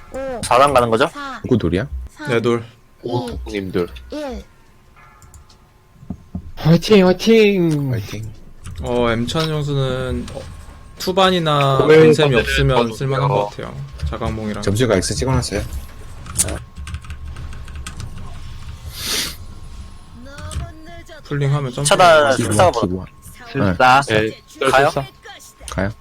5, 4단 가는 거죠? 4, 누구 돌이야? 3, 내돌 2, 님들 1. 화이팅 화이팅 화이팅. M찬 형수는 투반이나 오늘 건셈이 건셈을 없으면 거든요. 쓸만한 것 같아요. 자강몽이랑 점수가 X 찍어놨어요. 풀링하면 점프 차단 기부와, 술사가 뭐 기부와. 술사 네 가요? 썰술사 가요.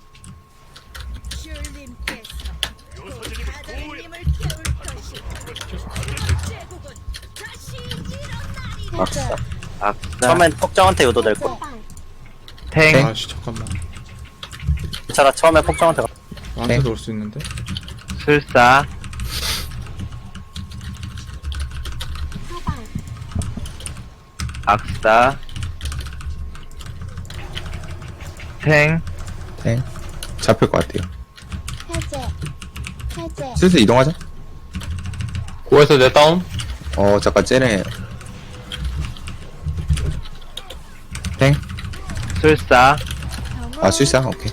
악사. 악사 처음엔 폭정한테 유도될 거. 사방. 탱 아씨 잠깐만 차가 처음에 폭정한테 가. 나한테 넣을 수 있는데 술사 사방. 악사 탱 탱. 잡힐 것 같아요. 해제. 해제. 슬슬 이동하자. 9에서 내 다운 잠깐 쟤네. 탱. 술사 아, 술사? 오케이.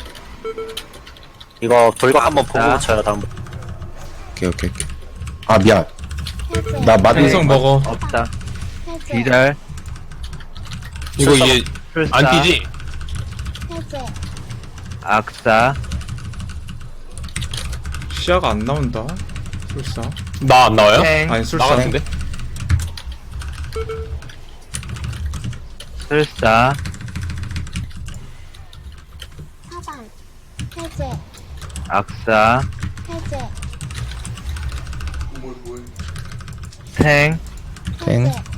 이거 돌격 한번 보고 자. 붙여요 다음. 오케이, 오케이, 오케이. 아, 미안. 해제. 나 마비. 행성 먹어 없다 해제. 기절 이거 이게 술사 안 뛰지? 해제. 악사 시야가 안 나온다 술사 나 안 나와요? 탱 아니 나 술사 같은데? 술사 사방. 해제. 악사 해제. 탱 탱. 해제.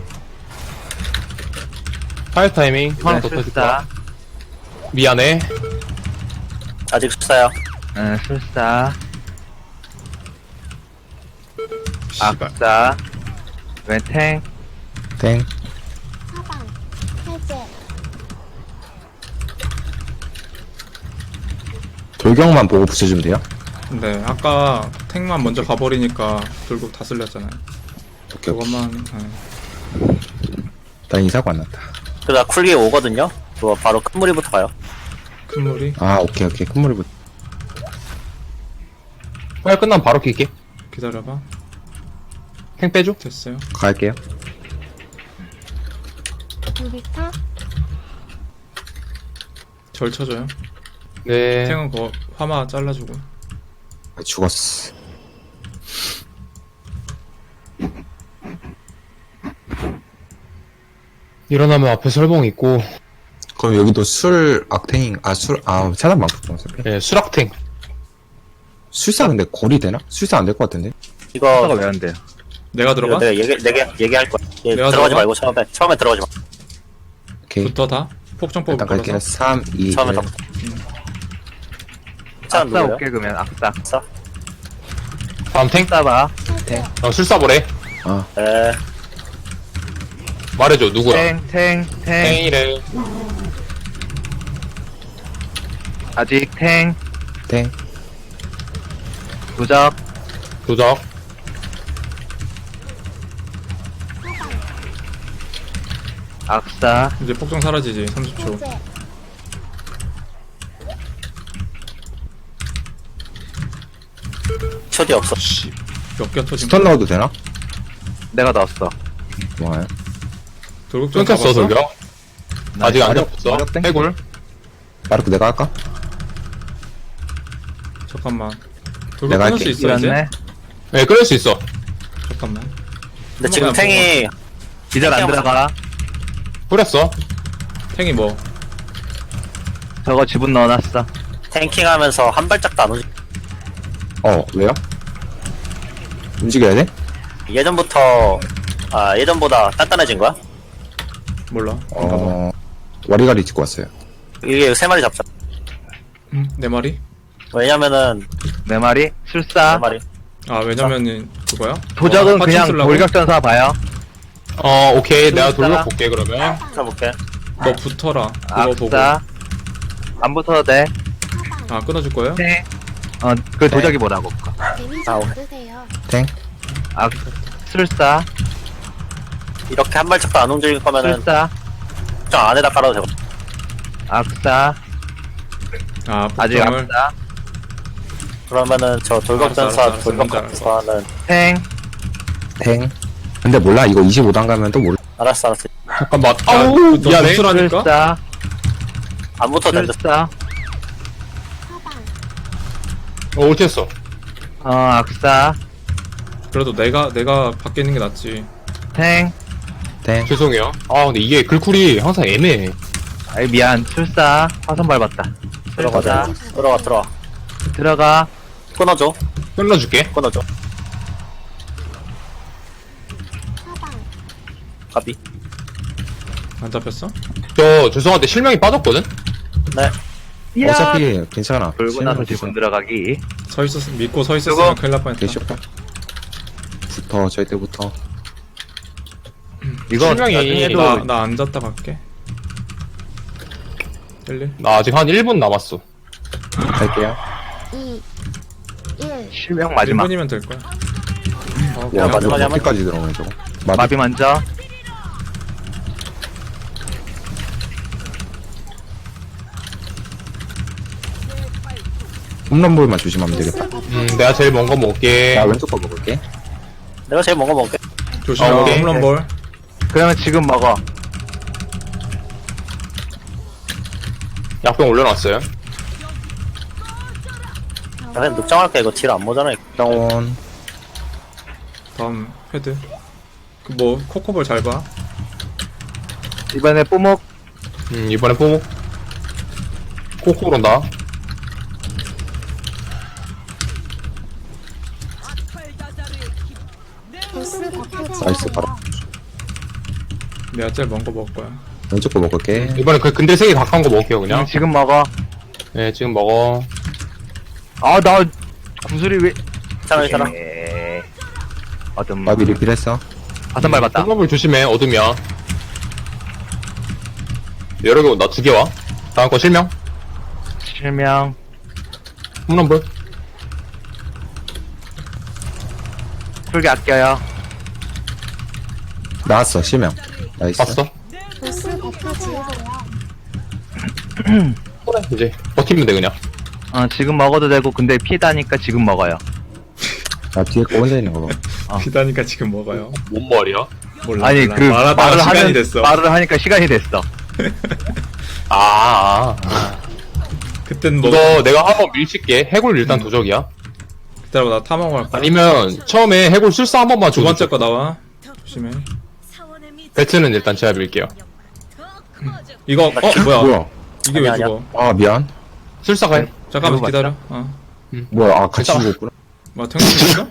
파이어 타이밍 하나 더 터질 술사 거야 미안해 아직 술사야. 술사 씨발 악사 웬탱 탱. 사방. 해제. 돌격만 보고 붙여주면 돼요? 네 아까 탱만 먼저 가버리니까 돌격 다 쓸렸잖아요 오케이, 오케이. 그것만 난 이사고 안 났다. 그러다 쿨기 오거든요. 그거 바로 큰 무리부터 가요. 큰 물이 아, 오케이, 오케이. 큰 물이 붙. 파이어 끝나면 바로 킬게 기다려봐 탱 빼줘 됐어요 갈게요. 루비타. 절 쳐줘요 네 탱은 그거 화마 잘라주고 아, 죽었어. 일어나면 앞에 설봉 있고 그럼 여기도 차단 많고 죽었어. 네 수락탱 술사 근데 거리 되나? 술사 안 될 것 같은데? 이거 술사가 왜 안 돼요 내가 들어가? 내가 얘기할 거야. 내가 들어가지 들어가? 말고 처음에 들어가지 마. 오케이. 붙어 다? 폭정법을 일단 갈게요. 걸어서 3, 2, 처음에 1. 더. 차 악사 누구예요? 올게 그러면 악사 악사. 다음 탱 술사봐 술사보래 에 말해줘 누구야 탱탱탱 탱이래 아직 탱 탱. 부적 도적 악사 이제 폭정 사라지지 30초 해제. 초디 없어. 몇개 터진 스턴 넣어도 되나? 내가 넣었어 좋아요. 돌격전 끊겼어 잡았어? 돌격 아직 안 마력, 잡혔어 마력 땡. 해골 마르크 내가 할까? 잠깐만 돌격 내가 끊을 할게. 수 있어 이제? 이겼네 네 끊을 수 있어 잠깐만 근데 지금 한번 탱이 기절 안 들어가 뿌렸어 탱이 뭐 저거 지분 넣어놨어 탱킹하면서 한 발짝도 안 오지. 왜요? 움직여야 돼? 예전보다 단단해진 거야? 몰라 잠깐만 와리가리 찍고 왔어요. 이게 3마리 잡자. 내 말이? 왜냐면은 네 마리 술사 3마리. 아 왜냐면은 그거야? 도적은 파츠 그냥 쓰려고? 돌격전사 봐요 오케이 내가 술사. 돌격 볼게 그러면 써볼게. 너 붙어라 그거 보고 악사 안 붙어도 돼 아 끊어줄 거예요? 탱. 그 도적이 뭐라고 데미지 아우. 받으세요. 탱. 술사 이렇게 한 발짝도 안 움직일 거면은 술사 저 안에다 깔아도 되고. 악사 아 아직 폭정을 악사 그러면은 저 돌격전사 알았어, 돌격전사는 탱. 탱. 근데 몰라. 이거 25단 가면 또 몰라. 알았어. 잠깐만. 아, 아우, 너 미안해. 무술하니까? 술사. 안 붙어도 된다. 술사. 사방, 올티했어. 악사. 그래도 내가 밖에 있는 게 낫지. 탱. 탱. 죄송해요. 아, 근데 이게 글쿨이 항상 애매해. 아이, 미안. 술사. 화선 밟았다. 들어가, 술사. 들어가. 들어가. 끊어줘. 끊어줄게. 끊어줘. 사방, 가비. 안 잡혔어? 저, 죄송한데 실명이 빠졌거든? 네. 이야. 어차피 괜찮아. 돌고 나서 지분 들어가기. 믿고 서 있었으면 큰일 날 뻔했다. 개쇼파. 붙어. 절대부터. 이거 실명이 나중에도 나 앉았다 갈게. 1, 나 아직 한 1분 남았어. 갈게요. 2, 1. 실명 마지막. 1분이면 될 거야. 와, 마지막에 마지막 한번 어디까지 들어오네, 저거. 마비 먼저. 홈런볼만 조심하면 되겠다. 내가 제일 먼 거 먹을게. 나 왼쪽 거 먹을게. 내가 제일 먼저 먹을게. 조심해. 오케이. 홈런볼. 그러면 지금 먹어. 약병 올려놨어요. 그냥 늑장할게. 이거 딜 안 모자라. 다운. 다음 헤드. 그 뭐 코코볼 잘 봐. 이번에 뽀목. 이번에 뽀목. 코코 그런다. 보스 버프 나이스, 제거. 바로. 내가 제일 먼 거 먹을 거야. 왼쪽 거 먹을게. 이번에 그 근데 세개 가까운 거 먹을게요, 그냥. 지금 먹어. 네, 지금 먹어. 아, 나 구슬이 왜? 괜찮아. 어둠. 마비 리필했어. 화선 밟았다. 홈런볼 조심해, 어둠이야. 여러 개 온다, 2개 와. 다음 거 실명. 실명. 홈런볼. 풀게 아껴요. 나왔어, 실명. 나이스. 봤어? 보스 버프 제거요. 그래, 이제 버티면 돼, 그냥. 지금 먹어도 되고 근데 피다니까 지금 먹어요. 나 뒤에 거 혼자 있는 거 봐. 비다니까 지금 먹어요. 뭔 말이야? 몰라. 아니 몰라. 그 말하다가 말을 시간이 하는 됐어. 말을 하니까 시간이 됐어. 그땐 뭐 이거 내가 한번 밀칠게. 해골 일단 도적이야. 기다려봐. 나 탐험할 거야. 아니면 처음에 해골 술사 한 번만 두 주고 번째 거 나와. 조심해. 배트는 일단 제가 밀게요. 이거 뭐야? 뭐야? 이게 왜 아니야, 죽어? 아, 미안. 술사 가요. 잠깐만 이거 기다려. 뭐야, 아, 같이 괜찮아. 죽었구나. 뭐 탱크 있어?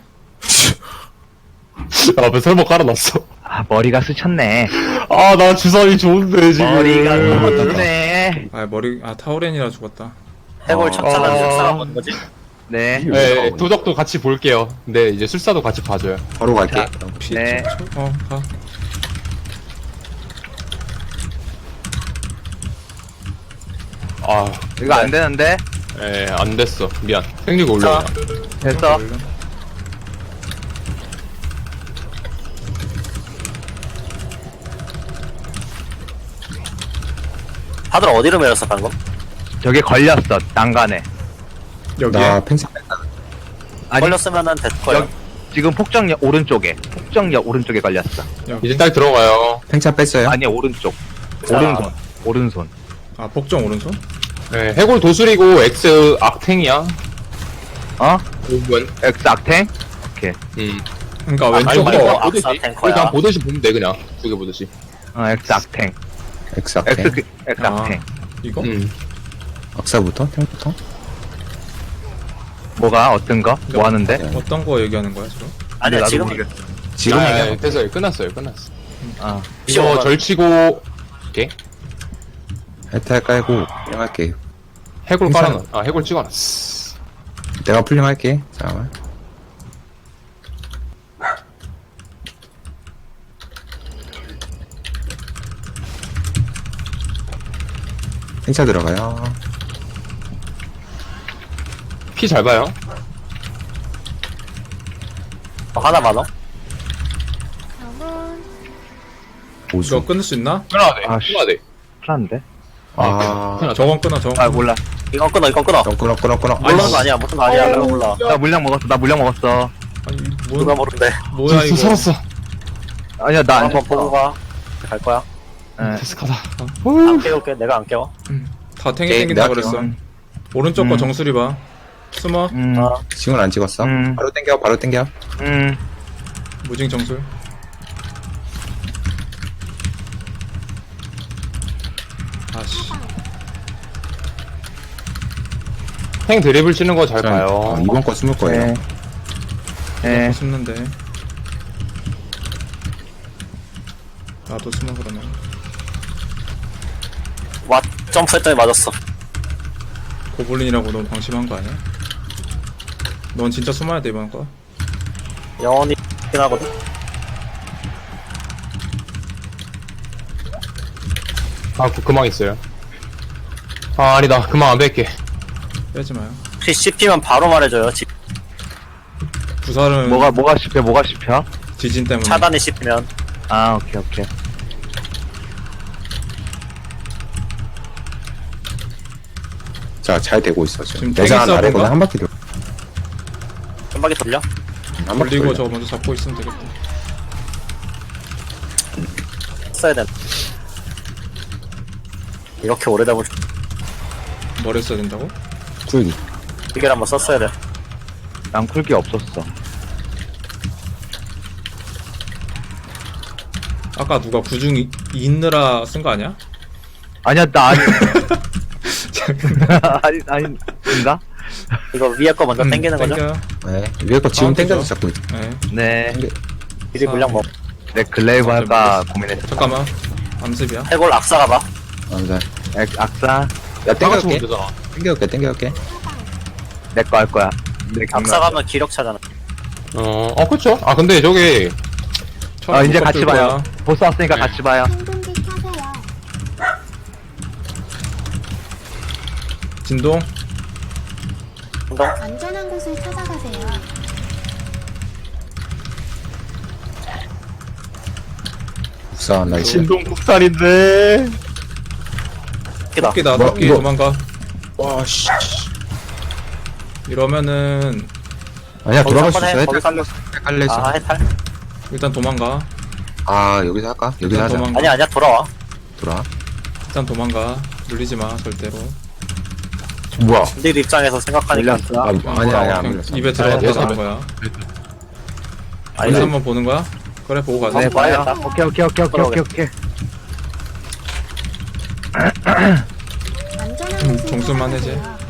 앞에 설마 깔아놨어. 아 머리가 스쳤네. 아, 나 주사위 좋은데, 지금. 머리가 스쳤네. 타우렌이라 죽었다. 해골 천사는 늑사가 뭔 거지? 네. 네, 도적도 같이 볼게요. 근데 이제 술사도 같이 봐줘요. 바로 갈게. 피. 네. 가. 아, 이거 안 되는데. 안 됐어. 미안. 생리가 올려. 됐어. 다들 어디로 밀었어 방금? 저기 걸렸어. 난간에. 여기에. 나 팽창 아니 걸렸으면은 됐을 거야. 여기, 지금 폭정역 오른쪽에. 폭정역 오른쪽에 걸렸어. 이제 딱 들어가요. 팽창 뺐어요? 아니 오른쪽. 자. 오른손. 오른손. 아 복정 오른손? 네, 해골 도술이고 X 악탱이야. 어? 5분. X 악탱? 오케이. 그러니까 왼쪽 아니, 왼쪽으로. 거. 보듯이. 악사 탱커야. 그냥 보듯이 보면 돼, 그냥. 두 개 보듯이. X 악탱. X X 악탱. X 악탱. 이거? 악사부터? 탱부터? 뭐가 어떤 거? 뭐 하는데? 어떤 거 얘기하는 거야 지금? 아니야 나도 지금 모르겠어. 지금 아, 얘기하는 됐어요. 끝났어요. 끝났어. 아. 이거 절치고, 오케이. 해탈 깔고 풀링할게. 해골 괜찮아. 깔아놔. 아, 해골 찍어놨어. 내가 풀링할게. 잠깐만. 행차 들어가요. 피 잘 봐요. 하나 많어? 저분 이거 오수. 끊을 수 있나? 끊어야 돼. 아, 씨. 끊어야 돼. 큰일났는데? 아, 끊어야 돼. 저건 끊어 저건. 아 몰라. 이거 끊어. 끊어. 모르는 거 아니야. 무슨 거 아니야. 내가 몰라. 나 물량 먹었어. 아니 누가 모른대. 뭐야 이거. 살았어. 아니야, 나 안 한번 죽어. 보고 가. 갈 거야. 예. 데스카다. 안 깨울게. 내가 안 깨워. 다 탱이 오케이, 땡긴다 내가 그랬어. 오른쪽 거 음. 정수리 봐. 숨어. 아, 지금 안 찍었어. 바로 땡겨. 무징 정술. 아씨. 탱 드리블 치는 거 잘 봐요. 이번 거 숨을 거예요. 예. 숨는데. 나도 숨어 그러면. 와, 점프했더니 맞았어. 고블린이라고 너무 방심한 거 아니야? 넌 진짜 숨어야 돼 이번 거. 영원히 긴 하거든. 아, 그만 있어요. 아, 아니다. 그만 안 뺄게. 빼지 마요. 혹시 씹히면 바로 말해줘요. 구살은 뭐가 씹혀? 지진 때문에. 차단이 씹히면. 아, 오케이. 자, 잘 되고 있어. 지금 내장 땡기 아래거든 서브인가? 한 바퀴 돌. 한 바퀴 돌려? 한 바퀴 돌리고 돌려. 저거 먼저 잡고 있으면 되겠다. 써야 돼. 이렇게 오래되면 머리 써야 된다고? 쿨기. 기계를 한번 썼어야 돼. 난 쿨기 없었어. 아까 누가 구중 있느라 쓴 거 아니야? 아니야, 나 아닌가? 이거 위에 거 먼저 당기는 거죠? 땡겨요. 네. 위에 거 지금 다음 땡겨서 거죠? 잡고 있어. 네. 네. 미리 물량 먹. 내 글레이브 할까 고민했어. 잠깐만. 암습이야. 해골 악사 가봐. 네. 악사, 야, 다 같이 땡겨올게. 오면 되잖아. 땡겨올게. 내 거 할 거야. 내 악사 가면 기력 차잖아. 그쵸. 아, 근데 저기, 아, 이제 못 같이 들 봐요. 거야. 보스 왔으니까 네. 같이 봐요. 행동기 켜세요. 진동. 운동. 안전한 곳을 찾아가세요. 우사, 나 있어. 진동 국산인데. 기다. 토끼다. 뭐, 토끼 이거- 도망가. 와, 씨. 이러면은 아니야, 거기서 돌아갈 수 한번 있어. 해. 거기서 한번. 헷갈렸어. 아, 해탈. 일단 도망가. 아, 여기서 할까? 여기서 일단 하자. 도망가. 아니야, 돌아와. 돌아. 일단 도망가. 물리지 마 절대로. 뭐야? 네 입장에서 생각하니까. 물렸어. 아니야, 안 그냥 물렸어. 입에 들어가서 아니, 가는 거야. 아니, 여기서 한번 보는 거야? 그래 보고 가자. 네, 봐요. 봐야겠다. 오케이. 안전한 곳을 정수만 해제. 찾아가세요.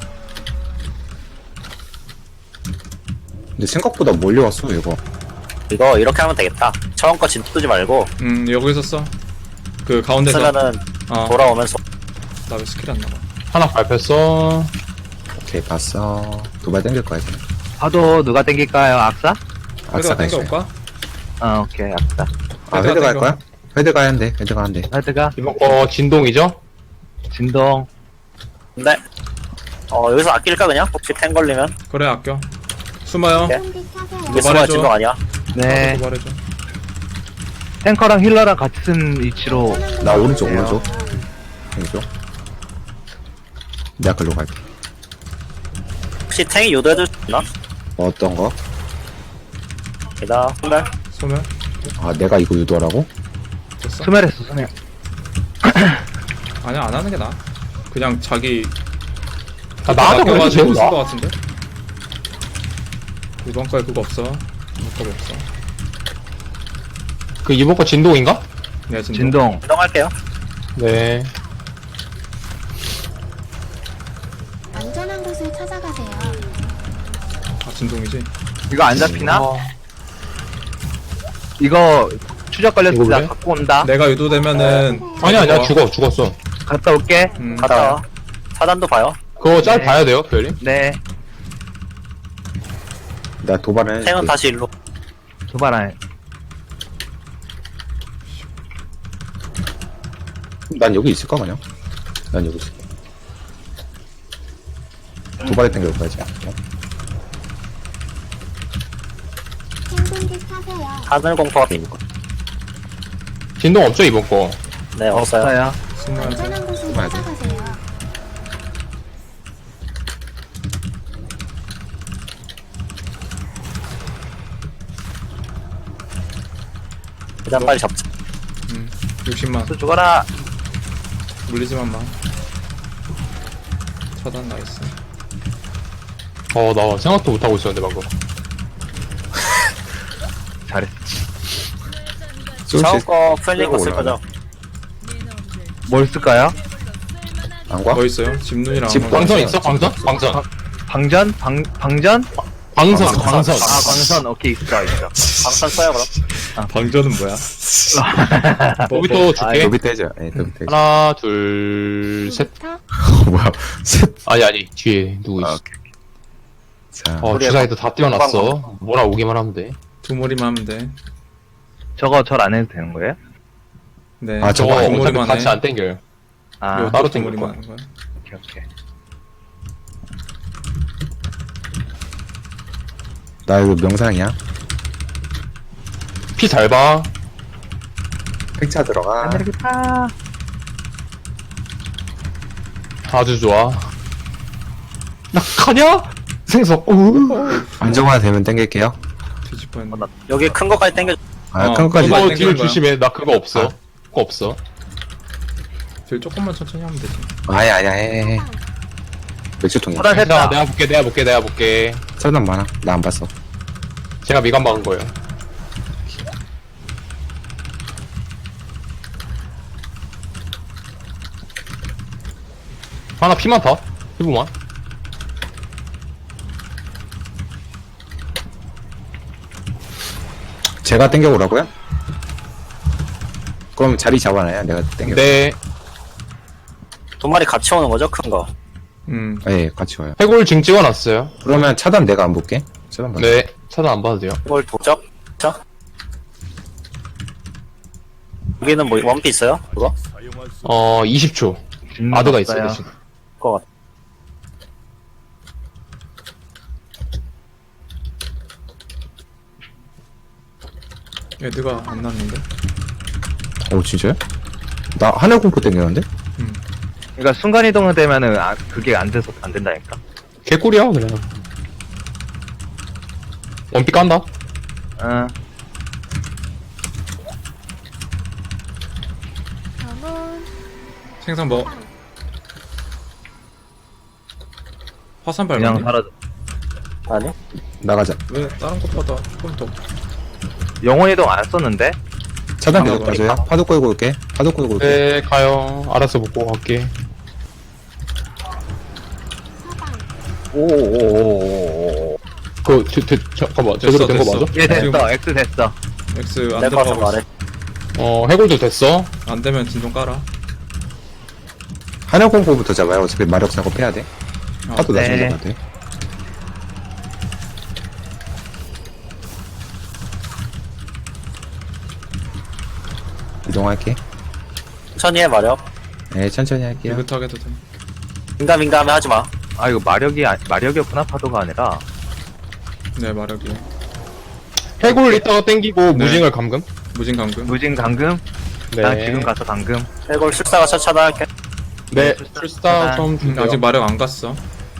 근데 생각보다 몰려왔어, 이거. 이거 이렇게 하면 되겠다. 처음 거 진짜 뜨지 말고. 여기서 써. 그 가운데서. 쓰면은 돌아오면서. 나 왜 스킬 안 나가? 하나 밟혔어. 오케이, 봤어. 도발 땡길 거야, 지금. 파도 누가 땡길까요? 악사? 헤드가 악사가 있어. 땡겨올까? 아, 오케이, 악사. 아, 헤드가 헤드 갈 땡겨. 거야? 헤드 가야 한대. 헤드 가야 한대. 헤드가 이번 거 진동이죠? 진동. 근데, 여기서 아낄까, 그냥? 혹시 탱 걸리면? 그래 아껴. 숨어요. 오케이. 행동기 켜세요. 이게 수가 도발해줘. 진동 아니야? 네. 도발해줘. 탱커랑 힐러랑 같이 쓴 위치로. 안전한 나 곳을 오른쪽, 찾아가세요. 땡겨. 내가 글로 갈게. 혹시 탱이 유도해줄 수 있나? 어떤 거? 기다. 선별. 소멸. 아, 내가 이거 유도하라고? 됐어? 스멜했어, 스멜. 아니야 안 하는 게 나아. 그냥 자기 아, 나한테 걸려도 아껴가지고 된다. 쓴거 같은데. 이번 거에 그거 없어. 이번 거 없어. 그 이번 거 진동인가? 네 진동. 진동. 이동할게요. 네. 안전한 곳을 찾아가세요. 아 진동이지. 이거 안 잡히나? 어, 이거 추적 걸렸을 이거 때 왜? 갖고 온다. 내가 유도되면은 아니야, 죽었어. 갔다 올게. 갔다 와. 차단도 봐요. 그거 짤 네. 봐야 돼요, 별님? 네. 나 도발을 탱은 해줄게. 다시 일로. 도발해. 난 여기 있을까, 그냥? 난 여기 있을게. 도발에 땡겨올 거야, 지금. 행동기 켜세요. 하늘공포가 있는 거. 진동 없죠, 이번 거? 네, 없어요. 없어요. 숨어야지. 안전한 곳을 숨어야지. 찾아가세요. 일단 빨리 잡자. 60만. 수 죽어라. 물리지만 마. 차단 나이스. 나 생각도 못하고 있었는데, 방금. 잘했어. 샤워 거 프렌리 끌고 거쓸 거죠? 뭘 쓸까요? 안 과? 더 있어요? 집눈이랑. 집 한번 광선 광선 있어? 광선? 광선. 방전? 방전? 광선, 광선. 아, 광선. 오케이, 있어. 방선 써요, 그럼? 방전은 뭐야? 여기 또 줄게. 더비 떼죠. 예, 더비 떼죠. 하나, 둘, 셋. 부터 뭐야. 셋. 아니, 뒤에 누구 있어. 아, 오케이. 자, 주사위도 다 띄워놨어. 뭐나 오기만 하면 돼. 두 머리만 하면 돼. 저거 절 안 해도 되는 거예요? 네. 아, 저거 저거 두 어차피 머리만 같이 해. 안 땡겨요. 아, 요 따로 두 땡길 머리만 거야. 하는 거야. 오케이. 나 이거 명상이야. 피 잘 봐. 팩차 들어가. 아메리카. 아주 좋아. 나 가냐? 생석. 안정화 되면 땡길게요. 뒤집어 했네. 여기 큰 거까지 당겨. 아, 어, 큰 거까지. 그거 그거 땡기는 딜 거야. 조심해. 나 그거 없어. 아. 그거 없어. 딜 조금만 천천히 하면 되지. 아니야, 해. 맥주 통이야. 차단 했다. 내가 볼게. 설명 많아. 나 안 봤어. 제가 미간 박은 거예요. 하나 피만 타. 피부만. 제가 땡겨오라고요? 그럼 자리 잡아놔요. 내가 땡겨. 네. 두 마리 같이 오는 거죠, 큰 거? 예, 같이 와요. 해골 징 찍어놨어요. 그러면 차단 내가 안 볼게. 차단 봐. 네. 차단 안 봐도 돼요. 이걸 도적? 자. 여기는 뭐, 원피 있어요? 그거? 20초. 아드가 있어요, 대신. 그거 같아. 애드가 안 났는데? 오, 진짜요? 나 하늘 공포 땡겼는데? 그러니까 순간이동을 되면은, 그게 안 된다니까. 개꿀이야, 그냥. 원피 깐다? 응. 저는 생선 뭐? 화산 그냥 밟았네? 사라져. 아니? 나가자. 왜 다른 것보다 조금 더 영혼이동 안 썼는데? 차단 아, 계속 봐줘요. 파도 끌고 올게. 파도 끌고 올게. 네, 가요. 알아서 먹고 갈게. 오오오오오오. 잠깐만. 제대로 된 거 됐어. 맞아? 얘 됐어. 지금- X 됐어. X 안 내 거서 들어가고 말해. 있어. 해골도 됐어. 안 되면 진동 깔아. 하늘 공포부터 잡아요. 어차피 마력 작업해야 돼. 파도 네. 나중에 잡아야 돼. 이동할게. 천천히 해, 마력. 네, 천천히 할게요. 느긋하게도 돼. 민감해 하지 마. 아, 이거 마력이었구나, 파도가 아니라. 네, 마력이. 해골 이따가 땡기고 네. 무징을 감금. 무진 감금. 무진 감금? 네. 난 지금 가서 감금. 해골 술사가 차단할게. 네. 출사. 출사 좀 준비요. 아직 마력 안 갔어.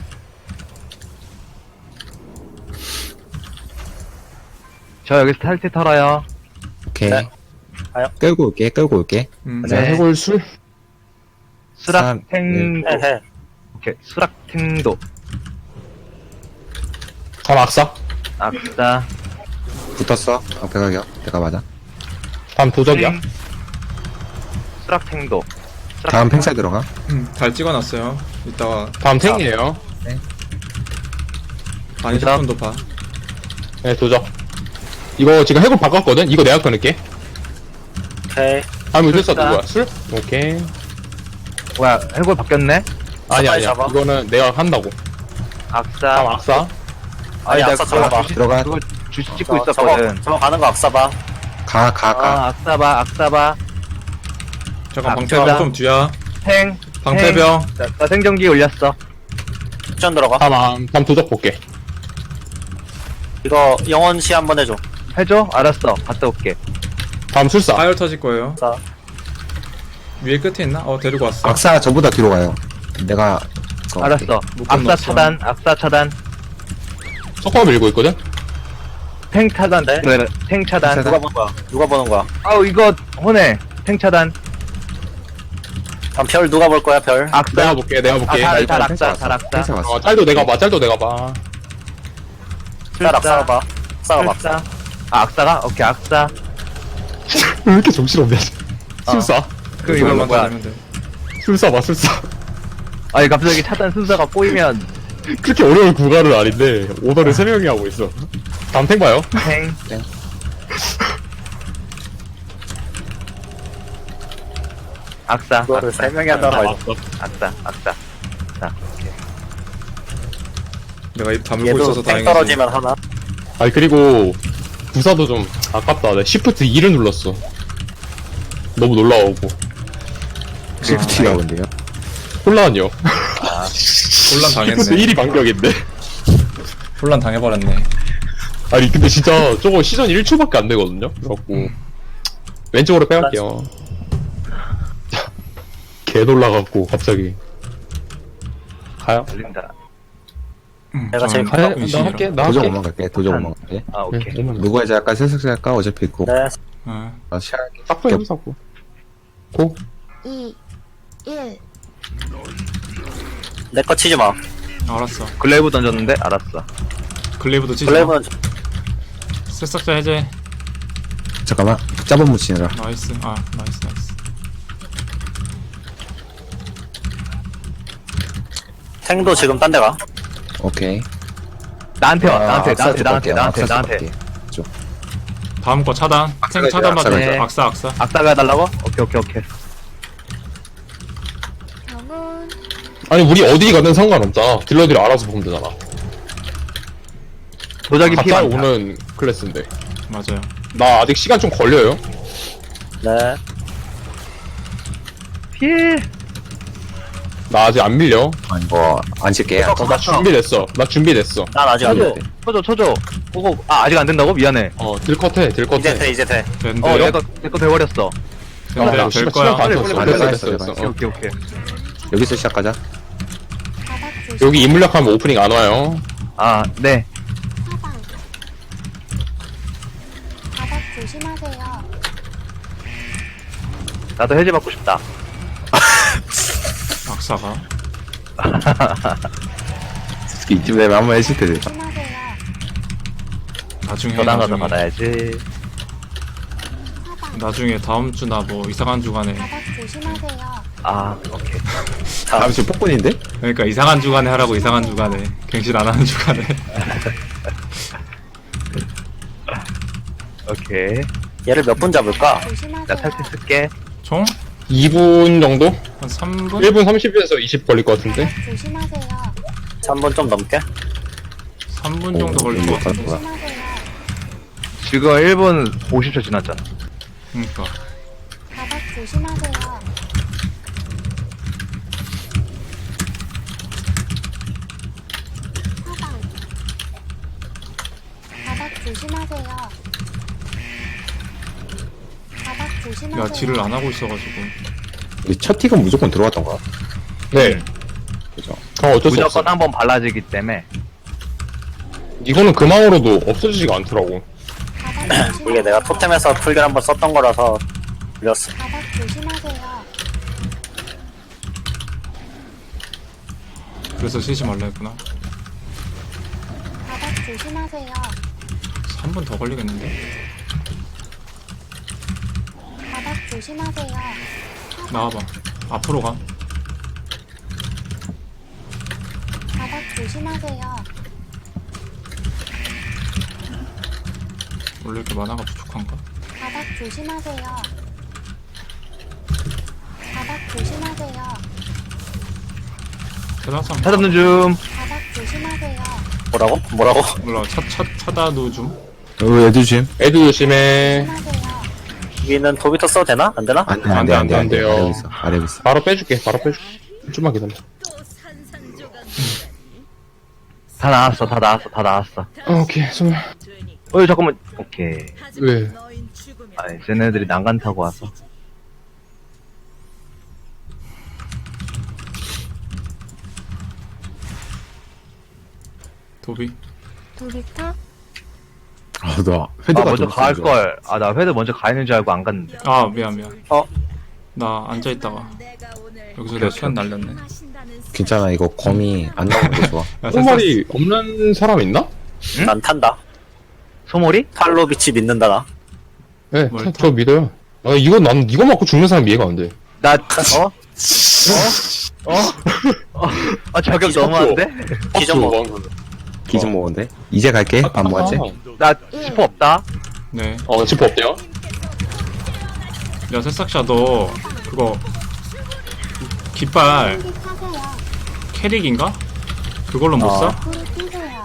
저 여기 스탈트 털어요. 오케이. 네. 가요. 끌고 올게, 끌고 올게. 자, 네. 해골 술. 수락탱도. 해, 해. 오케이, 수락탱도. 다음 악사. 악사. 붙었어. 방패 가격. 내가 맞아. 다음 도적이야. 수락탱도. 다음 팽살 들어가. 잘 찍어놨어요. 이따가 다음 탱이에요. 아니 도적. 10분도 봐. 네, 도적. 이거 지금 해골 바꿨거든? 이거 내가 끊을게. 오케이. 다음 술사 술사. 누구야? 술? 오케이. 뭐야, 해골 바뀌었네? 아니야. 빨리 잡아. 이거는 내가 한다고. 다음 악사. 악사. 아니, 나 악사 그거 잡아봐. 들어가. 그거 주시 찍고 있었거든. 저거 가는 거 악사 봐. 가, 가, 가. 악사봐, 악사봐. 잠깐 아, 방패병 저장. 좀 뒤야. 탱. 방패병. 나 생존기 올렸어. 축전 들어가. 다음 도적 볼게. 이거 영원 시 한번 해줘. 해줘? 알았어. 갔다 올게. 다음 술사. 파열 터질 거예요. 자, 위에 끝에 있나? 데리고 왔어. 악사 저보다 뒤로 가요. 내가. 그거 알았어. 묶음 악사 넣었어. 차단, 악사 차단. 석화 밀고 있거든? 탱 차단. 네? 탱 차단. 누가 보는 거야? 누가 보는 거야? 아우, 이거, 혼해. 탱 차단. 그럼 별 누가 볼 거야, 별? 악사. 내가 볼게, 내가 볼게. 달 일단 악사, 펜스 달 왔어. 악사. 펜스 왔어. 짤도 내가 봐, 짤도 내가 봐. 쌀 싸워봐. 싸워봐. 악사. 아, 악사가? 오케이, 악사. 왜 이렇게 정신없냐, 어. 술사. 그럼 이거 이걸만 뭐야? 따지면 돼. 술사 봐, 술사. 아니, 갑자기 차단 순서가 꼬이면, 그렇게 어려운 구간은 아닌데, 오더를 3명이 하고 있어. 다음 탱 봐요. 탱. 땡. 악사. 그거를 3명이 한다고 해서. 악사, 악사. 자, 오케이. 내가 입 다물고 얘도 있어서 땡 다행이지. 떨어지면 하나. 아니, 그리고, 부사도 좀 아깝다. 내가 시프트 2를 눌렀어. 너무 놀라워고. 시프트가 뭔데요? 혼란이요. 혼란 시프트 당했네. 1이 반격인데. 혼란 당해버렸네. 아니, 근데 진짜 저거 시전 1초밖에 안 되거든요? 그래갖고, 왼쪽으로 빼갈게요. 개 놀라갖고, 갑자기. 가요? 걸린다. 내가 제일 나 의심이라. 할게, 나 도적 할게. 오만 갈게. 도적 오만 갈게. 아, 오케이. 네, 오면 누구 해자 할까? 슬슬 할까? 어차피 있고. 네. 어. 나 시작할게. 딱 보여, 사고. 고. 2, 1. 내 거 치지 마. 알았어. 글레이브 던졌는데? 알았어. 글레이브도 치자. 블레이브는 새싹자 해제. 잠깐만. 짜본 묻히느라. 나이스. 아, 나이스, 나이스. 탱도 지금 딴 데 가. 오케이. 나한테 와, 나한테, 악사 나한테, 쪽 나한테, 갈게요. 나한테, 악사 쪽 나한테. 갈게. 쪽. 다음 거 차단. 악사가 탱 차단 있어요, 받자. 악사가 악사, 악사. 악사가 해달라고? 오케이, 오케이, 오케이. 병은 아니, 우리 어디 가든 상관없잖아. 딜러들이 알아서 보면 되잖아. 도자기 피 가까이 많다. 오는 클래스인데. 맞아요. 나 아직 시간 좀 걸려요. 네. 피해. 나 아직 안 밀려. 아니, 뭐, 안 칠게. 나 준비됐어. 나 준비됐어. 난 아직 안 쳐줘, 돼. 쳐줘. 오고, 아, 아직 안 된다고? 미안해. 딜컷해, 딜컷해. 이제 돼, 이제 돼. 된대요? 내거 돼버렸어. 된대요? 나 될 시간 거야. 다 빨리, 줬어. 빨리, 됐어, 빨리, 됐어, 빨리, 됐어. 오케이, 오케이. 여기서 시작하자. 바닥 조심. 여기 인물력하면 오프닝 안 와요. 아, 네. 사방. 바닥 조심하세요. 나도 해제 받고 싶다. 악사가. 이쯤 되면 한번 해줄 때 돼. 조심하세요. 나중에, 전화 가서 나중에. 받아야지. 사방. 나중에 다음 주나 뭐 이상한 주간에. 바닥 조심하세요. 아, 오케이. 다음 주 폭군인데? 그러니까 이상한 주간에 하라고 이상한 주간에. 갱신 안 하는 주간에. 오케이. 얘를 몇 분 잡을까? 나 조심하세요. 탈퇴 쓸게. 총? 2분 정도? 한 3분? 1분 30에서 20 걸릴 것 같은데? 바닥 조심하세요. 3분 좀 넘게? 3분 정도 걸릴 것 같은데. 조심하세요. 지금 1분 50초 지났잖아. 그러니까. 바닥 조심하세요. 사방. 바닥 조심하세요. 바닥 조심하세요. 야, 딜을 안 하고 있어가지고. 근데 첫 틱은 무조건 들어갔던 거야. 네. 그죠? 어쩔 수 없어. 무조건 한번 발라지기 때문에. 이거는 금왕으로도 없어지지가 않더라고. 바닥 조심하세요. 이게 내가 토템에서 풀결 한번 썼던 거라서 밀렸어. 바닥 조심하세요. 그래서 쉬지 말라 했구나. 바닥 조심하세요. 3분 더 걸리겠는데? 바닥 조심하세요. 나와봐. 앞으로 가. 바닥 조심하세요. 원래 이렇게 만화가 부족한가? 바닥 조심하세요. 바닥 조심하세요. 대다상 찾았는 중. 바닥 조심하세요. 뭐라고? 뭐라고? 몰라. 차다도 좀. 애들 좀. 애들 조심해. 조심하세요. 여기는 도비터 써도 되나? 안 되나? 안 돼, 안 돼, 안 돼, 안 돼. 돼요. 아래 있어, 아래 있어. 바로 빼줄게, 바로 빼줄게. 좀만 기다려. 다 나왔어, 다 나왔어, 다 나왔어. 오케이, 스물. 잠깐만. 오케이. 왜? 아니, 쟤네들이 난간 타고 와서. 도비. 도비터. 너 헤드가 먼저 좀 갈 세죠. 걸. 아, 나 회드 먼저 가 있는 줄 알고 안 갔는데. 아 미안. 어? 나 앉아있다가 여기서 오케이, 내가 시간 날렸네. 괜찮아, 이거 검이 안 나오는 게 좋아. 야, 똥말이 없는 사람 있나? 응? 난 탄다. 소몰이? 팔로비치 믿는다, 나. 네, 뭘 저 믿어요. 아, 난 이거 맞고 죽는 사람 이해가 안 돼. 나, 아, 저격 너무한데? 기존 뭐. 기준 먹었는데? 이제 갈게, 밥 먹었지? 나 스포 없다. 네. 지퍼 없대요? 야 새싹샤 너 그거 깃발 타세요. 캐릭인가? 그걸로 못 써? 불을 끄세요.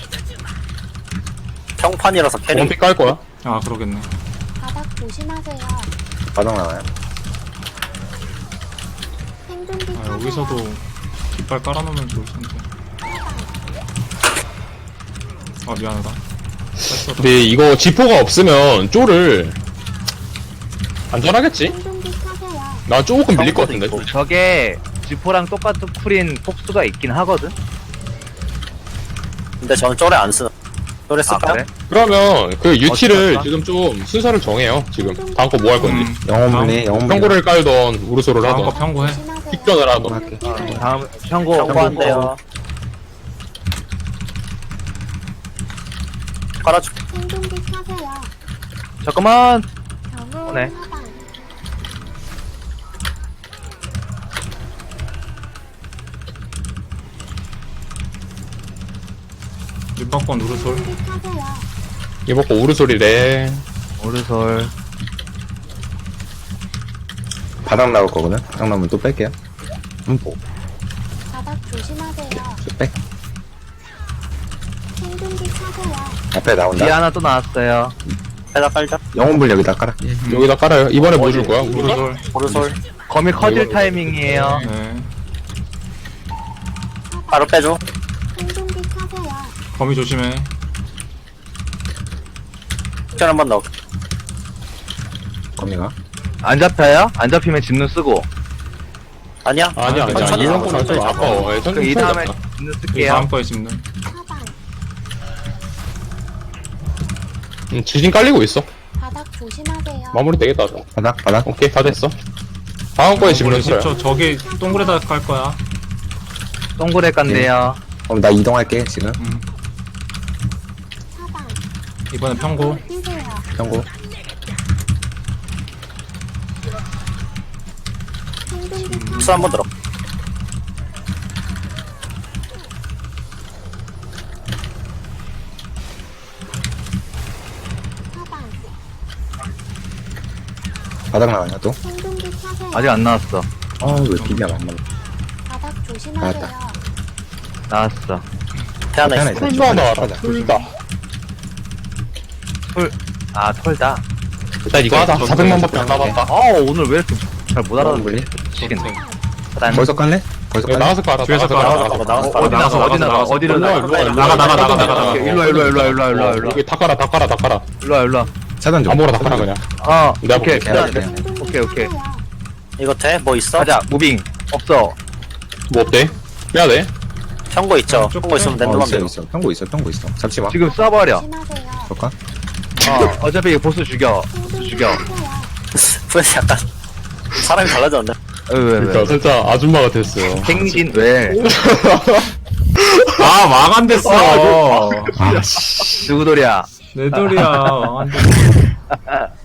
평판이라서 캐릭. 원픽 깔 거야? 아 그러겠네. 바닥 조심하세요. 바닥 나와요. 생존기 아 타세요. 여기서도 깃발 깔아놓으면 좋을 텐데. 아 미안하다. 뺐어. 근데 이거 지퍼가 없으면 쪼를 안전하겠지? 생존기 타세요. 나 조금 밀릴 것 같은데. 있고. 저게 지포랑 똑같은 쿨인 폭수가 있긴 하거든? 근데 저는 쪼레 안 쓰는. 쪼레 아, 쓸까요? 그래? 그러면 그 유티를 어떡할까? 지금 좀 순서를 정해요. 지금 다음 거 뭐 할 건지. 영혼분리, 영혼분리. 평고를 깔던 우르소를 다음 거 하던 평고해. 조심하세요. 픽전을 하던. 할게. 다음, 평고. 평고한대요. 깔아줄게. 생존기 타세요. 잠깐만. 경우 오네. 사방. 윤박권 우르솔. 생존기 타세요. 이번 거 우르소리래. 오르솔. 바닥 나올 거거든? 바닥 나오면 또 뺄게요. 보 바닥 조심하세요. 백. 생존기 타세요. 앞에 나온다. 뒤에 하나 또 나왔어요. 해다 깔자. 영혼분리 여기다 깔아. 여기다 깔아요. 이번에 뭐 줄 거야? 우르소? 우르솔. 오르솔. 거미 커질 타이밍이에요. 네. 바로 빼줘. 생존기 타세요. 거미 조심해. fik션 한번 넣어. 거미가. 안 잡혀요? 안 잡히면 진눈 쓰고. 아니야? 아니야. 천천히 이런 나와, 거는 좀 천천히 나와. 아까워. 예, 그 천천히 이 다음에 낫다. 진눈 그 쓸게요. 다음 거에 짚는. 사방. 지진 깔리고 있어. 바닥 조심하세요. 마무리 되겠다. 바닥. 오케이, 다 됐어. 다음 거에 집을 원래 써요. 10초 저기 동굴에다 깔 거야. 동굴에 깐대요. 그럼 나 이동할게, 지금. 사방. 이번에 평고. 불을 끄세요. 평고. 생존기 타세요. 수 한번 들어. 사방. 바닥 나와요, 또. 생존기 타세요. 아직 안 나왔어. 왜 비비야, 안 맞네. 바닥 조심하세요. 나왔다. 나왔어. 태하나 태하나 있어. 있어. 풀도 나와라. 가자. 풀다. 아, 털다. 일단 이거 하자. 400만밖에 안 남았다. 오늘 왜 이렇게 잘 못 알아듣는 영혼분리. 미치겠네. 거기서 깔래? 거기서 깔래? 나가서 깔아. 뒤에서 나가서 깔아. 깔아. 나가서 어디 나가, 어디 나가, 어디로 일로와, 나가. 일로와, 일로와. 나가. 일로와, 일로와. 여기 다 깔아. 일로와. 차단 좀. 아무거나 다 깔아, 그냥. 오케이. 내가 볼게. 해야 돼. 생존기 오케이. 타세요. 이거 돼? 뭐 있어? 가자, 무빙. 없어. 뭐 어때? 빼야 돼? 평고 있죠? 쭉 평고 있으면 랜덤 있어, 하면 있어. 평고 있어. 잡지 마. 지금 쏴버려. 조심하세요. 볼까? 어차피 보스 죽여. 생존기 죽여. 타세요. 왜 약간 사람이 달라졌네. 왜. 그러니까 살짝 아줌마가 됐어. 행진, 왜? 아 망한 됐어. 누구 돌이야? 내 돌이야. 망한 됐어.